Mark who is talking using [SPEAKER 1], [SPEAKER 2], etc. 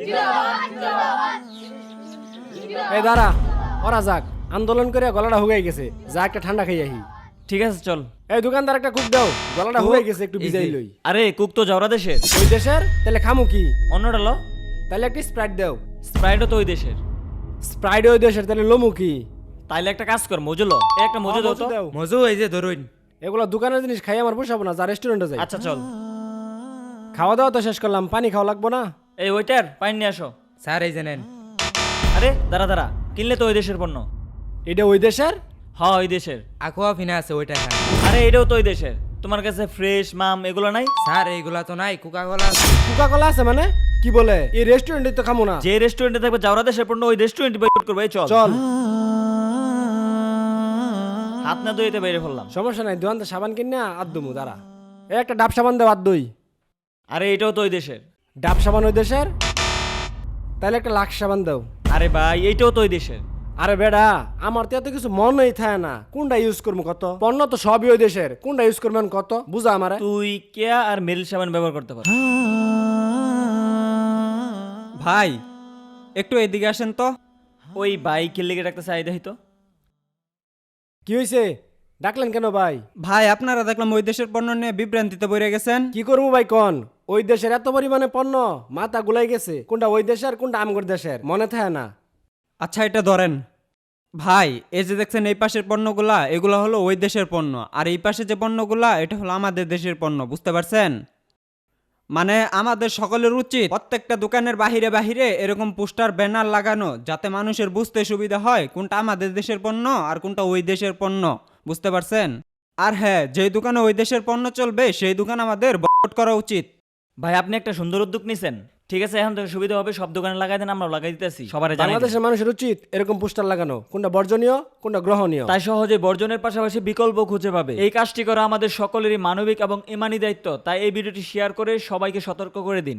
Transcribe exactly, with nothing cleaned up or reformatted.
[SPEAKER 1] এই দাঁড়া, ওরা যাক, আন্দোলন করে গলাটা হুগাই গেছে, যা একটা ঠান্ডা খাই আহি।
[SPEAKER 2] ঠিক আছে চল।
[SPEAKER 1] এই দোকানদার একটা কুক দাও, গলাটা হুগাই গেছে, একটু ভিজাই লই।
[SPEAKER 2] আরে কুক তো যাওরা দেশের।
[SPEAKER 1] ওই দেশের? তাহলে খামু কি?
[SPEAKER 2] অন্যটা লো।
[SPEAKER 1] তাহলে একটা স্প্রাইট দাও।
[SPEAKER 2] স্প্রাইটও তো ওই দেশের।
[SPEAKER 1] স্প্রাইট ওই দেশের, তাহলে লমু কি?
[SPEAKER 2] তাইলে একটা কাজ কর, মজু লো। এই একটা মজু দাও তো।
[SPEAKER 1] দাও।
[SPEAKER 3] মজু এই যে ধরুন।
[SPEAKER 1] এগুলো দোকানের জিনিস খাই আমার পোষাবো না, যা রেস্টুরেন্টে যাই।
[SPEAKER 2] আচ্ছা চল।
[SPEAKER 1] খাওয়া দাওয়া তো শেষ করলাম, পানি খাওয়া লাগবো না?
[SPEAKER 2] এই ওইটার পাইন নিয়ে আসো।
[SPEAKER 3] স্যার এই জানেন।
[SPEAKER 2] আরে দাঁড়া দাঁড়া, কিনলে তো ওই দেশের পণ্য।
[SPEAKER 1] এটা ওই দেশের?
[SPEAKER 2] হ্যাঁ ওই দেশের।
[SPEAKER 3] aqua ফিনা আছে ওইটা খান।
[SPEAKER 2] আরে এটাও তো ওই দেশের। তোমার কাছে ফ্রেশ মাম এগুলো নাই?
[SPEAKER 3] স্যার এইগুলা তো নাই, কোকা কোলা আছে।
[SPEAKER 1] কোকা কোলা আছে মানে? কি বলে? এই রেস্টুরেন্টে তো খামু না।
[SPEAKER 2] যে রেস্টুরেন্টে থাকবে যাওরা দেশের পণ্য ওই রেস্টুরেন্টে বয়কট করবে। এই চল
[SPEAKER 1] চল।
[SPEAKER 2] হাত না ধুইতে বাইরে ফেললাম।
[SPEAKER 1] সমস্যা নাই, দোকান তো সাবান কিনে আদমু, দাঁড়া। এই একটা ডাব সাবান দাও, আদ দই।
[SPEAKER 2] আরে এটাও তো ওই দেশের।
[SPEAKER 1] ডাব সাবান ওই দেশের? তাহলে একটা লাক্স সাবান দাও।
[SPEAKER 2] আরে ভাই এইটাও তো ওই দেশের।
[SPEAKER 1] আরে বেডা, আমার তো এত কিছু মনেই থাকে না, কোনটা ইউজ করবো কত? পণ্য তো সবই ওই দেশের, কোনটা ইউজ করবেন কত বুঝা আমারে।
[SPEAKER 2] তুই কেয়া আর মেল সাবান ব্যবহার করতে পার।
[SPEAKER 4] ভাই একটু এদিকে আসেন তো।
[SPEAKER 2] ওই বাইকের লেগে রাখতে চাই দেখিত।
[SPEAKER 1] কি হয়েছে? ডাকলেন কেন ভাই?
[SPEAKER 4] ভাই আপনারা দেখলাম ওই দেশের পণ্য নিয়ে বিভ্রান্তিতে পড়ে গেছেন।
[SPEAKER 1] কি করবো ভাই কন? ওই দেশের এত পরিমাণে পণ্য, মাথা গুলাই গেছে, কোনটা ওই দেশের কোনটা আমগর দেশের মনে থাকে না।
[SPEAKER 4] আচ্ছা এটা ধরেন ভাই, এই যে দেখছেন এই পাশের পণ্যগুলা এগুলা হলো ওই দেশের পণ্য, আর এই পাশে যে পণ্যগুলা এটা হলো আমাদের দেশের পণ্য, বুঝতে পারছেন? মানে আমাদের সকলের উচিত প্রত্যেকটা দোকানের বাহিরে বাহিরে এরকম পোস্টার ব্যানার লাগানো, যাতে মানুষের বুঝতে সুবিধা হয় কোনটা আমাদের দেশের পণ্য আর কোনটা ওই দেশের পণ্য, বুঝতে পারছেন? আর হ্যাঁ, যেই দোকানে ওই দেশের পণ্য চলবে সেই দোকান আমাদের বয়কট করা উচিত।
[SPEAKER 2] ভাই আপনি একটা সুন্দর উদ্যোগ নিছেন। ঠিক আছে, এখন থেকে সুবিধা হবে, সব দোকানে লাগাই দেন, আমরা লাগাই দিতেছি, সবার জানাই দিন।
[SPEAKER 1] বাংলাদেশের মানুষের উচিত এরকম পোস্টার লাগানো, কোনটা বর্জনীয় কোনটা গ্রহণীয়।
[SPEAKER 2] তাই সহজে বর্জনের পাশাপাশি বিকল্প খুঁজে পাবে। এই কাজটি করা আমাদের সকলেরই মানবিক এবং ইমানি দায়িত্ব। তাই এই ভিডিওটি শেয়ার করে সবাইকে সতর্ক করে দিন।